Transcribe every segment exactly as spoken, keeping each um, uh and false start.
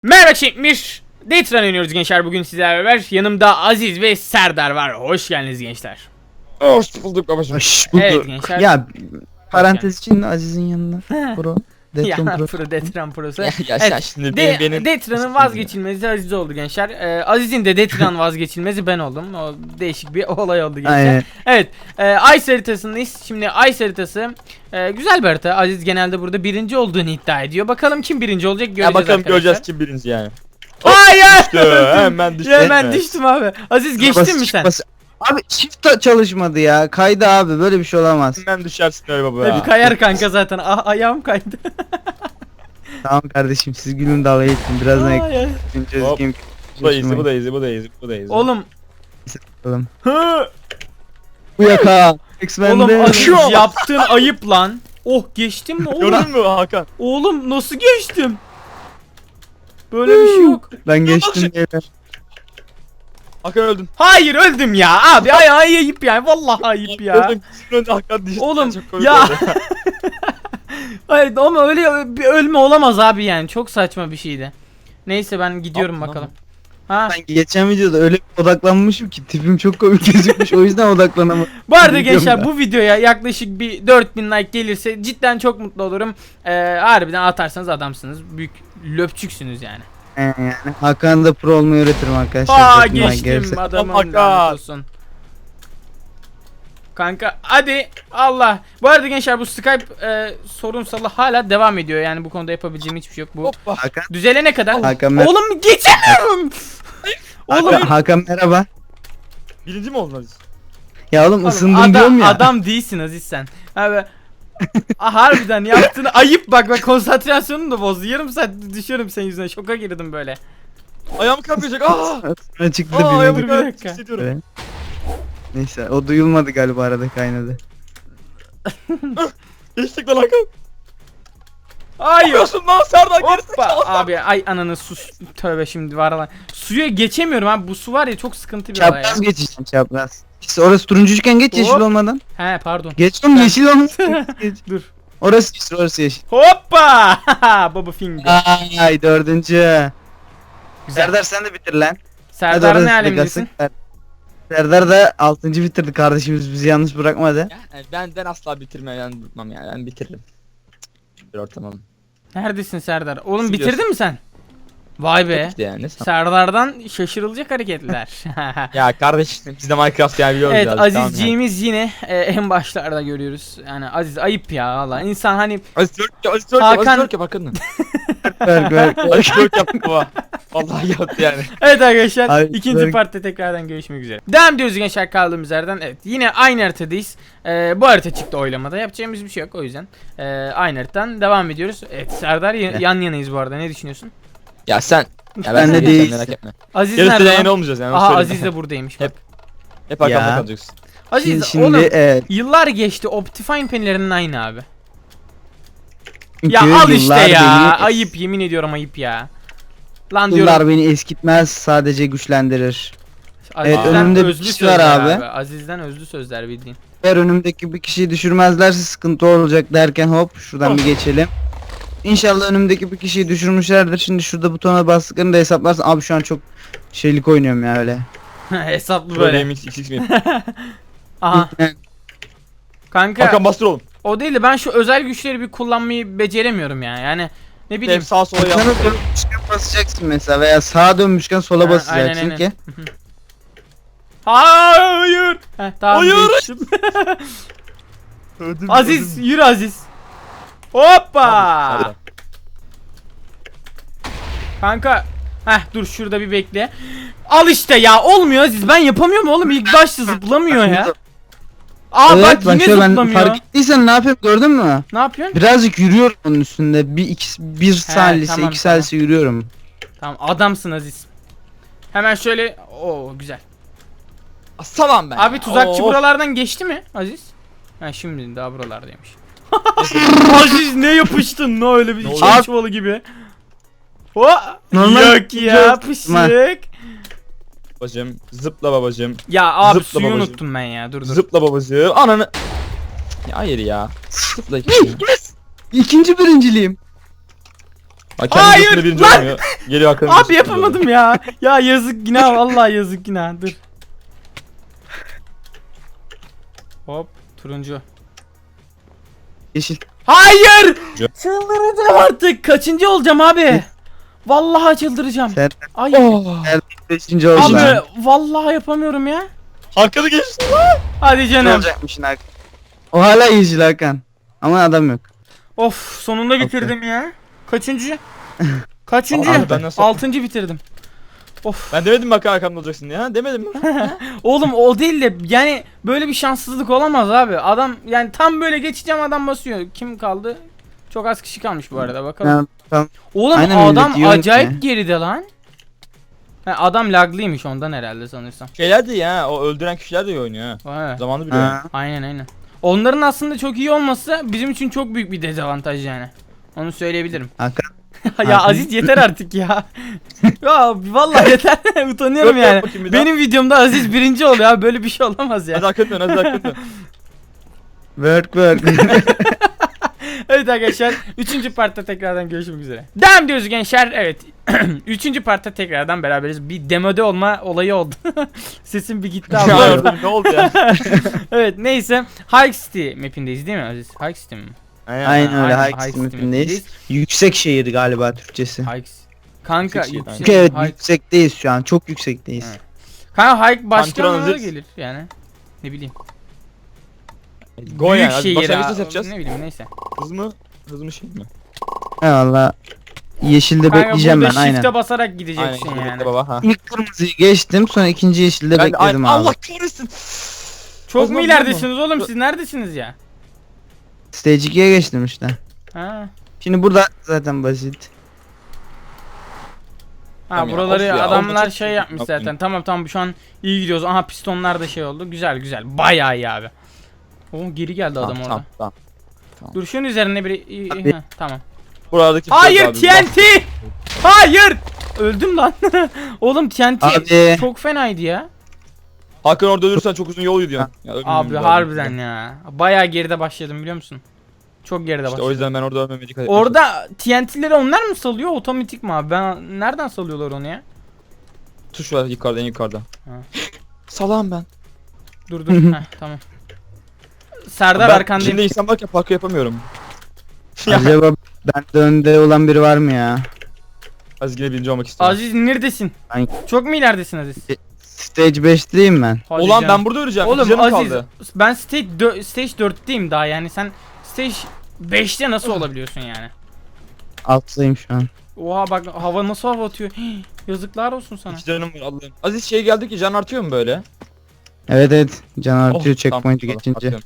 Merhaba çekmiş. Detran oynuyoruz gençler bugün sizlerle beraber. Yanımda Aziz ve Serdar var. Hoş geldiniz gençler. Hoş bulduk babacığım. Hoş bulduk. Evet gençler. Ya parantez için Aziz'in yanına Pro. Ya Detron Pro. Pro Detran Pro'su. Ya, ya Evet, sen şimdi De benim, benim... Detran'ın vazgeçilmezi Aziz oldu gençler. Ee, Aziz'in de Detran vazgeçilmezi ben oldum. O değişik bir olay oldu gençler. Aynen. Evet. E, Ice haritasındayız. Şimdi Ice haritası e, güzel bir harita. Aziz genelde burada birinci olduğunu iddia ediyor. Bakalım kim birinci olacak göreceğiz Ya bakalım arkadaşlar. göreceğiz kim birinci yani. Hayır. Düştü, hemen düştü. Ya hemen Evet. düştüm abi. Aziz geçtin mi sen? Bas- Abi shift de çalışmadı ya. Kaydı abi. Böyle bir şey olamaz. Hemen düşersin öyle baba Tabii ya. kayar kanka zaten. Ah, ayağım kaydı. Tamam kardeşim siz gülün dalga geçin. Birazdan Ay, ay. ekleyeceğiz. Hop. Game Bu da easy, bu da easy, bu da easy, bu da easy. Oğlum. yapalım. Hı. Bu yaka. Oğlum X-Men'de. Aziz yaptığın ayıp lan. Oh geçtim mi oğlum? Gördün mü Hakan? Oğlum nasıl geçtim? Böyle bir şey yok. Ben geçtim beyler. Hakan öldün. Hayır öldüm ya abi ay ay ayıp yani vallahi ayıp ya. Öldün, kızın önünde Hakan düştü. Oğlum, Çok komik ya. oldu. Hayır ama öyle bir ölme olamaz abi yani çok saçma bir şeydi. Neyse ben gidiyorum Yapma bakalım. Ha. Sanki geçen videoda öyle odaklanmışım ki tipim çok komik gözükmüş. O yüzden odaklanamadım. Bu arada Biliyorum gençler ya. bu videoya yaklaşık bir dört bin like gelirse cidden çok mutlu olurum. Ee, harbiden atarsanız adamsınız. Büyük löpçüksünüz yani. Ee, yani Hakan'ı da pro olmayı öğretirim arkadaşlar. Aa Dört bin like geçtim gelirse. adamım Hakan. lanet olsun. Kanka hadi Allah. Bu arada gençler bu Skype e, sorunsalı hala devam ediyor. Yani bu konuda yapabileceğim hiçbir şey yok. Bu Hoppa. Hakan. düzelene kadar. Hakan, mer- Oğlum geçemiyorum. Oğlum, Hakan, Hakan merhaba. Birinci mi oldun Aziz? Ya oğlum oğlum, ısındım adam, diyorum ya. adam değilsin Aziz sen. Abi ah, harbiden yaptığını ayıp bak bak konsantrasyonumu da bozdu. Yarım saat düşüyorum senin yüzünden. Şoka girdim böyle. Ayağım kapayacak. Aa! Sonra çıktı Aa bir ayağımı bir kapayacak. dakika. Hissediyorum. Böyle. Neyse o duyulmadı galiba arada kaynadı. Geçtik lan Hakan. Hayır. Yapıyorsun lan Serdar Hoppa gerizekalı. abi ay ananı sus tövbe şimdi var lan. Suya geçemiyorum abi bu su var ya çok sıkıntı bir olay ya. Çapraz geçeceksin çapraz. İşte orası turuncuyken geç yeşil Hop. olmadan. He pardon. Geç oğlum Ben- yeşil olmadan. Geç. Dur. Orası yeşil orası yeşil. Hoppa! Baba finger. Ay dördüncü. Güzel. Serdar sen de bitir lan. Hadi Serdar orası ne da alemdesin? kalsın. Serdar da altıncı bitirdi kardeşimiz bizi yalnız bırakmadı. Yani ben ben asla bitirmem yani bitmem yani ben bitiririm. Bir ortamam. Neredesin Serdar? Oğlum Nasıl bitirdin mi sen? Vay be. İşte yani. Serdar'dan şaşırılacak hareketler. Ya kardeşim biz de Minecraft yani biliyoruz Evet biraz, tamam yani. Azizciğimiz yine e, en başlarda görüyoruz. Yani Aziz ayıp ya valla. İnsan hani Aziz Türk yap, Aziz Türk yap, Hakan- Aziz Türk yap Hakan'ın. Ver ver. Aziz Türk yaptı baba. Vallahi yaptı yani. evet arkadaşlar Ay, ikinci böyle- partta tekrardan görüşmek üzere. Devam ediyoruz gençler kaldığımız yerden. Evet yine aynı haritadayız. Ee, bu harita çıktı oylamada. Yapacağımız bir şey yok o yüzden. Ee, aynı haritadan devam ediyoruz. Evet Serdar ya- yan yanayız bu arada. Ne düşünüyorsun? Ya sen. Ya Ben ben de de değilsin. değilsin merak etme. Aziz Yarısı nerede? da lan? yayın olmayacağız yani. onu Aha söyleyeyim. Aziz de buradaymış bak. Hep- Hep arkamda Ya. kalacaksın. Aziz Şimdi, şimdi oğlum evet. yıllar geçti Optifine penlerinin aynı abi. Çünkü Ya al işte yıllar ya. beni- Ayıp yemin ediyorum ayıp ya. Lan diyorum. Yıllar beni eskitmez sadece güçlendirir. Evet, Aziz'den önümde bir özlü kişi var sözler abi. Aziz'den özlü sözler bildiğin. Eğer önümdeki bir kişiyi düşürmezlerse sıkıntı olacak derken hop şuradan bir geçelim. İnşallah önümdeki bir kişiyi düşürmüşlerdir. Şimdi şurada butona bastıklarını da hesaplarsın. Abi şu an çok şeylik oynuyorum ya öyle. Hesaplı Böyle böyle. X X mi? Aha. Kanka Hakan bastır oğlum. o değil de ben şu özel güçleri bir kullanmayı beceremiyorum ya. Yani ne bileyim. Hep sağa sola yap. Sana dönmüşken basacaksın mesela veya sağa dönmüşken sola Ha, basacaksın aynen, ki. Hayır. Heh, tamam, Hayır. geçtim. Aziz yürü Aziz. Hoppa. Kanka. Heh dur şurada bir bekle. Al işte ya olmuyor Aziz ben yapamıyorum oğlum ilk başta zıplamıyor ya. Aa Evet bak bak yine şöyle ben zıplamıyor. fark ettiysen ne yapıyorum gördün mü? Ne yapıyorsun? Birazcık yürüyorum onun üstünde. Bir, iki, bir salise, tamam, iki salise yürüyorum. Tamam adamsın Aziz. Hemen şöyle o güzel. Salam ben. Abi ya. tuzakçı Oo. buralardan geçti mi Aziz? Ha şimdi daha buralardaymış. Aziz ne yapıştın ne öyle bir Ne çay oldu? çuvalı gibi. O Normal yok ya yok. pışık. Babacım zıpla babacım. Ya abi Zıpla suyu babacığım. unuttum ben ya dur dur. Zıpla babacım. Ananı. Ya hayır ya. Zıpla. İkinci birinciliğim. Ay, kendi Hayır, üstünde birinci lan! olmuyor. Geliyor hakkında. Abi yapamadım ya. Ya yazık günah, vallahi yazık günah. Dur. Hop, turuncu. Yeşil. Hayır! Ya. Çıldıracağım artık. Kaçıncı olacağım abi? Vallahi çıldıracağım. Sen Ay. beşinci olsun. Abi vallahi yapamıyorum ya. Hakan'ı geçti. Hadi Ne canım. olacakmışsın Hakan? O hala yeşil Hakan. Ama adam yok. Of, sonunda bitirdim ya. Kaçıncı? Kaçıncı? Abi ben nasıl- Altıncı bitirdim. Of. Ben demedim mi Hakan Hakan'da olacaksın ya? Demedim mi? Oğlum o değil de yani böyle bir şanssızlık olamaz abi. Adam yani tam böyle geçeceğim, adam basıyor. Kim kaldı? Çok az kişi kalmış bu arada, bakalım. Ya, tamam. Oğlum Aynen adam öyle diyorum acayip ki. geride lan. Ha, adam laglıymış ondan herhalde sanırsam. Şeyler de ya, o öldüren kişiler de iyi oynuyor ha. Ha, Zamanı biliyor. Ha. aynen aynen. Onların aslında çok iyi olması bizim için çok büyük bir dezavantaj yani. Onu söyleyebilirim. Hakan. Ya Hakan. Aziz yeter artık ya. Ya vallahi yeter. Utanıyorum Yok, yok, yani. bakayım bir daha. Benim videomda Aziz birinci oluyor abi, böyle bir şey olamaz Hadi ya. Hakan dön, hadi Hakan dön. Work work. Evet arkadaşlar, üçüncü partta tekrardan görüşmek üzere. Devam diyoruz gençler. Evet. üçüncü partta tekrardan beraberiz. Bir demode olma olayı oldu. Sesim bir gitti abi. Ya orada ne oldu ya? Evet neyse. Hike City mapindeyiz değil mi Aziz? Hike City mi? Aynen öyle. Aynen, Hike Hike City City mapindeyiz. Yüksek şehir galiba Türkçesi. Hike Kanka Yüksek yüksek. şehir, Çünkü evet Hike- yüksekteyiz şu an. Çok yüksekteyiz. Evet. Kanka hike başka Antrenör anlamına Aziz. gelir yani. Ne bileyim. Go Büyük yani. Hadi şehir başlangıç ha- nasıl yapacağız? Ne bileyim neyse. Hız mı? Hız mı şey mi? Eyvallah. Yeşilde Kanka bekleyeceğim ben burada aynen. shift'e basarak Aynen. gideceksin şimdi yani. bekle baba ha. İlk kırmızıyı geçtim, sonra ikinci yeşilde Ben, bekledim ay, abi. Allah kahretsin. Çok O mu zaman ileridesiniz oğlum, siz neredesiniz ya? Stage ikiye geçtim işte. Ha. Şimdi burada zaten basit. Ha Tamam ya, buraları of ya, adamlar oldu çok şey iyi. yapmış Yaptın. zaten. Tamam tamam, şu an iyi gidiyoruz. Aha pistonlar da şey oldu. Güzel güzel. Bayağı iyi abi. Oo, geri geldi adam Tamam, orada. tamam, tamam. Dur şunun üzerine bir iyi- iyi- Abi. ha, tamam. Buralardaki Hayır abi, T N T! Hayır! Öldüm lan. Oğlum T N T Abi. çok fenaydı ya. Hakan orada ölürsen çok uzun yol gidiyorsun. Ya, ölmemem Abi lazım. harbiden ya. Bayağı geride başladım biliyor musun? Çok geride İşte başladım. o yüzden ben orada ölmemeye dikkat etmeye Orada T N T'leri onlar mı salıyor, otomatik mi abi? Ben nereden salıyorlar onu ya? çalışıyorum. Tuş var yukarıda, en yukarıda. Ha. Salam ben. Dur dur. Heh, tamam. Serdar Ben arkandayım. şimdi insan varken parkur yapamıyorum. Ya. Acaba bende önde olan biri var mı ya? Az yine birinci olmak istiyorum. Aziz neredesin? Ben- Çok mu ileridesin Aziz? Stage beşteyim ben. Hadi Ulan canım. ben burada öleceğim. Oğlum Oğlum canım Aziz kaldı. ben stage, dö- stage dörtteyim daha, yani sen stage beşte nasıl olabiliyorsun yani? Alttayım şu an. Oha bak hava nasıl hava atıyor. Hii, yazıklar olsun sana. İki canım var Allah'ım. Aziz şey geldi ki can artıyor mu böyle? Evet evet. Can artıyor Oh, checkpoint'i tamam, geçince. atıyorum.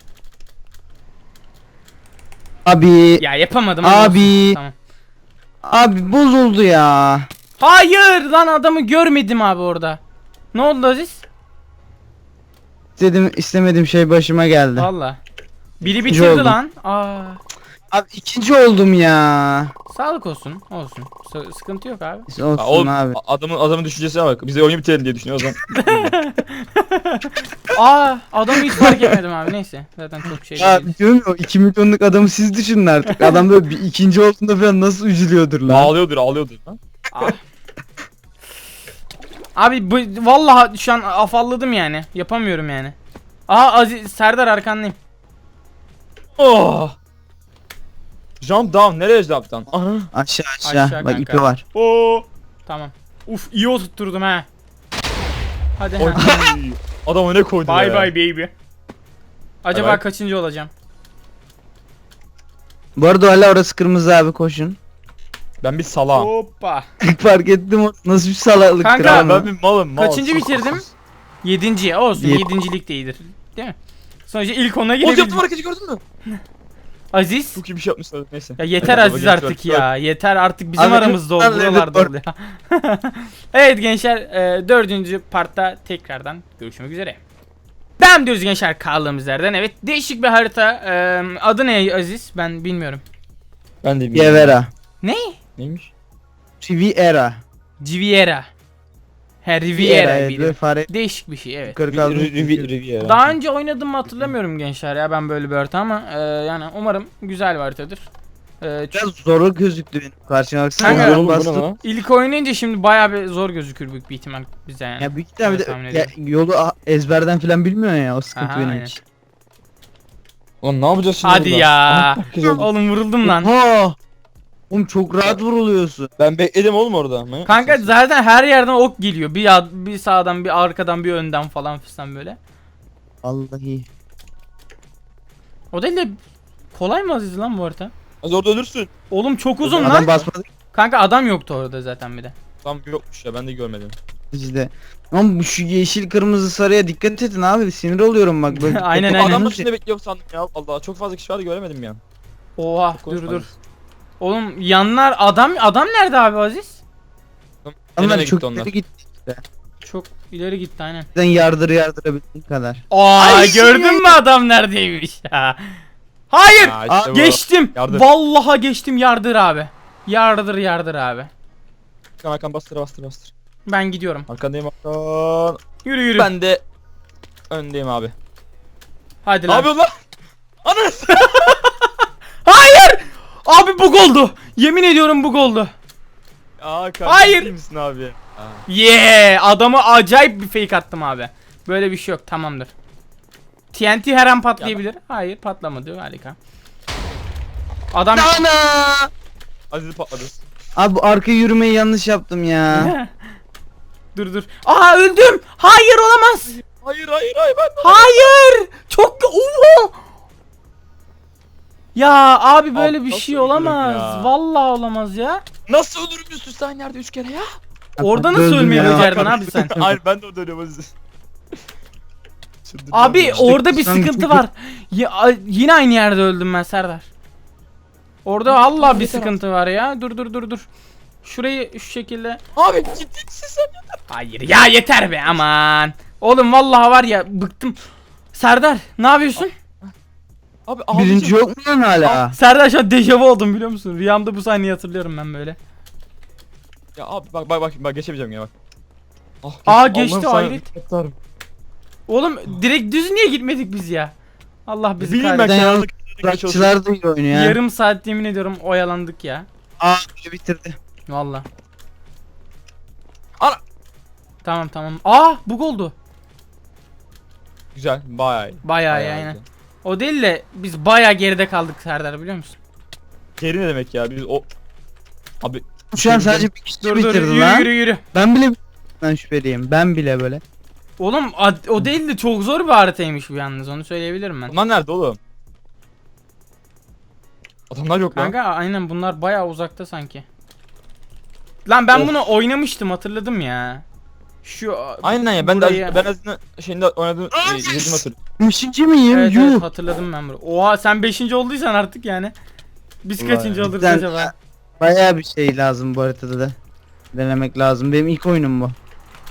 Abi. Ya yapamadım. hadi Abi. olsun. Tamam. Abi bozuldu ya. Hayır lan, adamı görmedim abi orada. Ne oldu Aziz? İstedim istemediğim şey başıma geldi. Valla. Biri İkinci bitirdi oldum. lan. Aa. Abi ikinci oldum ya. Sağlık olsun. Olsun. S- sıkıntı yok abi. Olsun Ha, oğlum, abi. adamın adamın düşüncesine bak. Bize oyunu bitirelim diye düşünüyor o zaman. Aa, adamı hiç fark etmedim abi. Neyse. Zaten çok şey Ya değil. diyorum ya, o iki milyonluk adamı siz düşünün artık. Adam böyle bir ikinci olduğunda falan nasıl üzülüyordur lan. ağlıyordur, ağlıyordur lan. Ah. Abi bu vallahi şu an afalladım yani. Yapamıyorum yani. Aha Aziz Serdar arkandayım. Oh! Jump down. Nereye jump down? Aha. Aşağı aşağı. Aşağı Bak kanka. ipi var. Oo. Tamam. Uf iyi oturtturdum ha. Hadi Oy. ha. Adama ne koydu Bye ya? bye baby. Acaba Bye bye. kaçıncı olacağım? Bu arada hala orası kırmızı abi, koşun. Ben bir salağım. Hoppa. Fark ettim o nasıl bir salaklıktır Kanka, abi. Ben bir malım mal. Kaçıncı bitirdim? Yedinci. Olsun, Yed- yedincilik de iyidir. Değil mi? Sonuçta ilk ona Oğlum yaptım girebildim. hareketi gördün mü? Aziz. Çok iyi bir şey yapmışlar neyse. Ya yeter Hadi Aziz baba, artık gençler. ya. Yeter artık, bizim Abi, aramızda ol. lütfen, Buralarda ol lütfen. ya. Evet gençler, e, dördüncü partta tekrardan görüşmek üzere. Devam diyoruz gençler kaldığımız yerden. Evet, değişik bir harita. E, adı ne Aziz? Ben bilmiyorum. Ben de bilmiyorum. Riviera. Ne? Neymiş? Riviera. Civiera. He, Riviera. evet, biri. böyle fare Değişik bir şey, evet. yukarı kaldı. Riviera. Daha önce oynadım mı hatırlamıyorum gençler ya ben böyle bir harita, ama e, yani umarım güzel bir haritadır. Ee, ç- Biraz zor gözüktü benim karşıma baksana. Kanka, Zor Zor oldu bu ne bastım. lan? ilk oynayınca şimdi bayağı bir zor gözükür büyük bir ihtimal bize yani. Ya büyük ihtimalle Öyle bir de tahmin ya, yolu a- ezberden falan bilmiyor ya, o sıkıntı Aha, benim aynen. için. Ulan ne yapacağız şimdi Hadi burada? ya. Aha, herkes öldü. Oğlum vuruldum lan. Ha! Oğlum çok rahat vuruluyorsun. Ben bekledim oğlum orada. Manyak Kanka mısın? zaten her yerden ok geliyor. Bir ya, bir sağdan, bir arkadan, bir önden falan fistan böyle. Vallahi. O değil de kolay mı Aziz lan bu harita? Az orada ölürsün. Oğlum çok uzun Adam lan. basmadı Kanka adam yoktu orada zaten bir de. Tam yokmuş ya ben de görmedim. işte. Ama bu şu yeşil kırmızı sarıya dikkat edin abi, sinir oluyorum bak böyle. Aynen, dikkat aynen. Adam edin. başında bekliyorum sandım ya. Allah çok fazla kişi vardı göremedim ya. Oha Çok dur konuşma. dur. Oğlum yanlar adam adam nerede abi Aziz? Onlar Nereye çok gitti onlar? ileri gitti. Çok ileri gitti aynen. Sen yardır yardırabildiğin kadar. Aa Ay, gördün mü adam neredeymiş ya? Hayır. Ha, Aa, işte bu. Geçtim. Yardır. Vallahi geçtim, yardır abi. Yardır yardır abi. Arkan arkan bastır bastır bastır. Ben gidiyorum. Arkandayım arkan. Yürü yürü. Ben de öndeyim abi. Hadi Ne lan. yapıyorsun lan? Anas! Hayır. Abi bug oldu. Yemin ediyorum bug oldu. Aa kardeşim Hayır. değil misin abi? Aa. Yeah, adamı acayip bir fake attım abi. Böyle bir şey yok, tamamdır. T N T her an patlayabilir. Hayır, patlamadı, harika. Adam Ana! Aziz'i patladı. Abi bu arka yürümeyi yanlış yaptım ya. dur dur. Aa öldüm. Hayır olamaz. Hayır hayır hayır ben. Hayır. Çok Oha! Ya abi böyle Abi bir nasıl şey ölürüm olamaz. ya? Vallahi olamaz ya. Nasıl ölürüm üst üste aynı yerde üç kere ya? Orada nasıl Öldüm ölmeyi ya. becerdin abi sen? Hayır ben de orada ölüyorum Aziz. Çıldıracağım Abi ya. orada bir sen sıkıntı çünkü- var. Ya, a- yine aynı yerde öldüm ben Serdar. Orada Abi, Allah bir yeter sıkıntı var ya. Dur dur dur dur. Şurayı şu şekilde. Abi ciddi misin sen ya? Hayır ya, yeter be aman. Oğlum vallahi var ya, bıktım. Serdar ne yapıyorsun? Abi abicim. Birinci yok mu lan hala? Serdar şu an dejavu oldum biliyor musun? Rüyamda bu sahneyi hatırlıyorum ben böyle. Ya abi bak bak bak bak geçemeyeceğim ya bak. Ah, Aa, geçtim. geçti, Allah'ım sana hayret. minnettarım. Oğlum direkt düz niye gitmedik biz ya? Allah bizi Bileyim ben kahretsin. Neden kenarlık. Bırakçılar da iyi oynuyor ya. Yarım saat yemin ediyorum oyalandık ya. Aa biri bitirdi. Valla. Ana. Tamam tamam. Aa bug oldu. Güzel bayağı iyi. Bayağı iyi aynen. O değil de biz bayağı geride kaldık Serdar, biliyor musun? Geri ne demek ya biz o. Abi Şu an Bitirdim. sadece bir kişi Dur dur bitirdi yürü lan. yürü yürü. Ben bile ben şüpheliyim. Ben bile böyle. Oğlum ad- o değil de çok zor bir haritaymış bu yalnız, onu söyleyebilirim ben. bunlar nerede oğlum? Adamlar yok lan. Kanka aynen bunlar bayağı uzakta sanki. Lan ben Of. bunu oynamıştım, hatırladım ya. Şu Aynen ya ben burayı- de ben azından şeyinde oynadım e, izledim hatırlıyorum. Beşinci miyim? Evet, Yuh. evet hatırladım ben bunu. Oha sen beşinci olduysan artık yani. Biz Vay. kaçıncı oluruz Cidden acaba? Bayağı bir şey lazım bu haritada da. Denemek lazım. Benim ilk oyunum bu.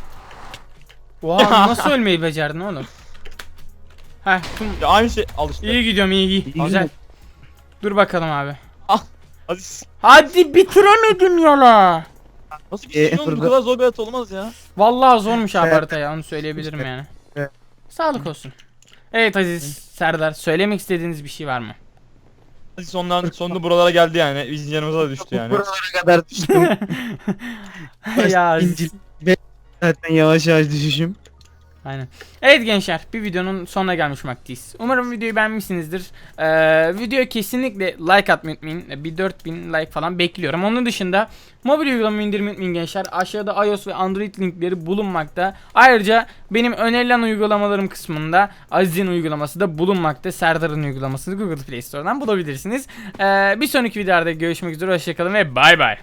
Oha nasıl ölmeyi becerdin oğlum? Heh tüm... Ya aynı şey al işte. iyi gidiyorum, iyi iyi. İyi. Güzel. Dur bakalım abi. Aziz. Hadi bitiremedim yola. Nasıl bir şey Ee, oğlum bu burada- kadar zor bir hayat olmaz ya. Vallahi zormuş abi Evet. harita ya, onu söyleyebilirim İşte. yani. Evet. Sağlık olsun. Evet Aziz, Serdar, söylemek istediğiniz bir şey var mı? Aziz sondan sonunda buralara geldi yani. Bizim yanımıza da düştü yani. Buralara kadar düştüm. ya Aziz. İncil. Ve zaten yavaş yavaş düşüşüm. Aynen. Evet gençler, bir videonun sonuna gelmiş bulunmaktayız. Umarım videoyu beğenmişsinizdir. Ee, videoya kesinlikle like atmayı unutmayın. Bir dört bin like falan bekliyorum. Onun dışında mobil uygulama indirmeyi unutmayın gençler. Aşağıda iOS ve Android linkleri bulunmakta. Ayrıca benim önerilen uygulamalarım kısmında Aziz'in uygulaması da bulunmakta. Serdar'ın uygulamasını Google Play Store'dan bulabilirsiniz. Ee, bir sonraki videoda görüşmek üzere. Hoşçakalın ve bay bay.